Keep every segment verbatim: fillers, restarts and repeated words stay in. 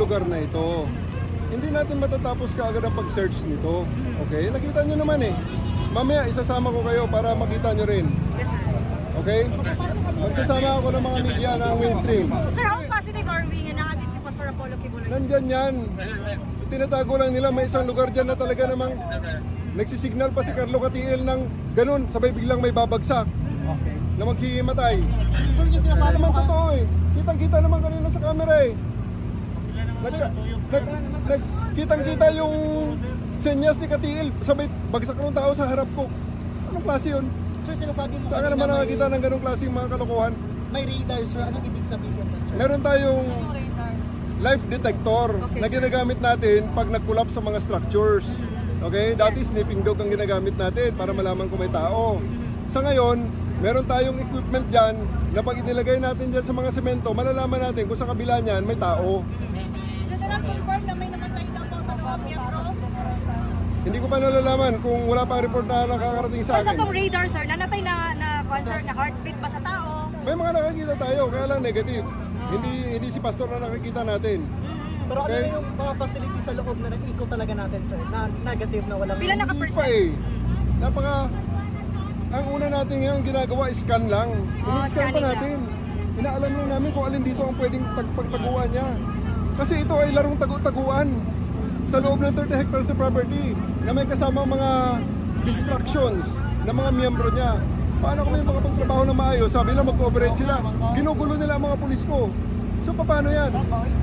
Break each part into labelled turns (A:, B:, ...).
A: lugar na ito. Hindi natin matatapos kaagad ang pag-search nito. Okay? Nakita nyo naman eh. Mamaya, isasama ko kayo para makita nyo rin.
B: Yes, sir.
A: Okay? Magsasama ako ng mga media na mainstream.
B: Sir, how positive are we nga nakagit si Pastor Apollo Kibuloy?
A: Nandyan yan. Tinatago lang nila, may isang lugar dyan na talaga namang nagsisignal pa si Carlo Catiel ng ganun, sabay biglang may babagsak.
C: Okay.
A: Na maghihimatay.
C: Sir, yung
A: Hindi
C: sinasabi
A: naman
C: mo
A: totoo eh. Kitang-kita naman kanina sa camera eh. Nag, nag, nag, kitang-kita yung senyas ni Catiel, sabay bagsak ng tao sa harap ko. Anong klase yun?
C: Sir, sinasabi mo
A: Saan ka naman nakakita ng ganong klase yung mga kalokohan?
C: may radar, sir. Anong ibig sabihin nun, sir?
A: Meron tayong life detector
B: Okay,
A: na
B: sir.
A: ginagamit natin pag nag-collapse sa mga structures. Okay? Dati sniffing dog ang ginagamit natin para malaman kung may tao. Sa ngayon, meron tayong equipment dyan na pag inilagay natin dyan sa mga semento, malalaman natin kung sa kabila niyan may tao.
B: General, confirm na may namatay daw po sa loob niya, bro.
A: Hindi ko pa nalalaman kung wala pang report na nakakarating sa
B: Or sa
A: akin.
B: pong radar, sir, nanatay na, na concert na heartbeat ba sa tao?
A: May mga nakakita tayo, kaya lang negative. Hindi hindi si pastor na nakikita natin.
C: Pero ano
A: Okay.
C: na yung mga facilities sa loob na nag-eco talaga natin, sir? Na negative na walang...
B: Pila
A: Hindi
B: naka-percent?
A: pa eh. Napaka... Ang una natin ngayon ginagawa is scan lang.
B: Oh,
A: Ini-scan pa
B: scanning
A: natin. Inaalam lang namin kung alin dito ang pwedeng tag- pagtaguan niya. Kasi ito ay larong tagu-taguan sa loob ng thirty hectares of property na may kasama mga distractions ng mga miyembro niya. Paano kami makapagtrabaho na maayos? Sabi lang mag-cooperate sila. Ginugulo nila ang mga pulis ko. So paano yan?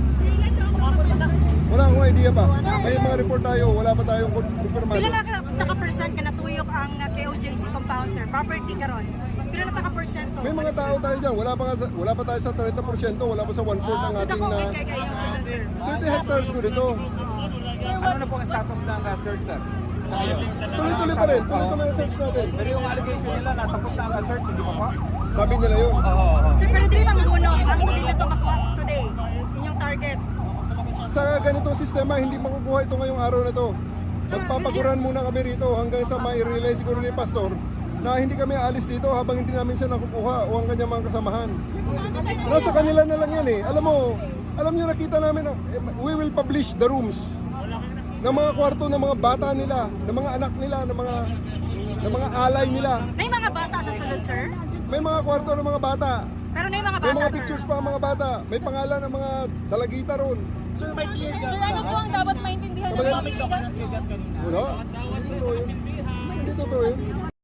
A: Wala akong idea pa. May mga report tayo, wala pa tayong konfirmado.
B: Pila na naka-percent ka natuyok ang uh, K O J C compound, sir? Property ka ron. Pila na naka-percent to?
A: May mga tao tayo dyan, wala pa, nga sa- wala pa tayo sa thirty percent, wala pa sa one-fourth ng
B: Ito
A: ating
B: po,
A: na
B: kay kay yung sundan, sir.
A: thirty hectares ko dito.
D: Ano na po ang status ng uh, search, sir?
A: Tuloy-tuloy pa rin, tuloy-tuloy ang search natin.
D: Pero yung allegation nila na tapos na ang uh, search, hindi pa po?
A: Sabi nila yun.
D: Oo, oo, oo.
B: Sir, pero dili naman uno, ang today na to makuha today. Inyong target.
A: Sa ganitong sistema, hindi makukuha ito ngayong araw na to. Magpapaguran muna kami rito hanggang sa ma-realize siguro ni Pastor na hindi kami aalis dito habang hindi namin siya nakukuha o ang kanyang mga kasamahan. Nasa kanila na lang yan eh. Alam mo, alam nyo nakita namin, eh, we will publish the rooms ng mga kwarto ng mga bata nila, ng mga anak nila, ng mga ng mga alay nila.
B: May mga bata sa sunod, sir?
A: May mga kwarto ng mga bata.
B: Pero na yung mga
A: May
B: bata,
A: mga
B: sir.
A: pictures pa ang mga bata. May pangalan ng mga dalagita ron.
C: Sir, may tear gas.
E: Sir, ano po ang dapat maintindihan ng
C: Gumamit ako ng tear gas kanina.
A: Wala. Hindi totoo yun. Hindi totoo yun.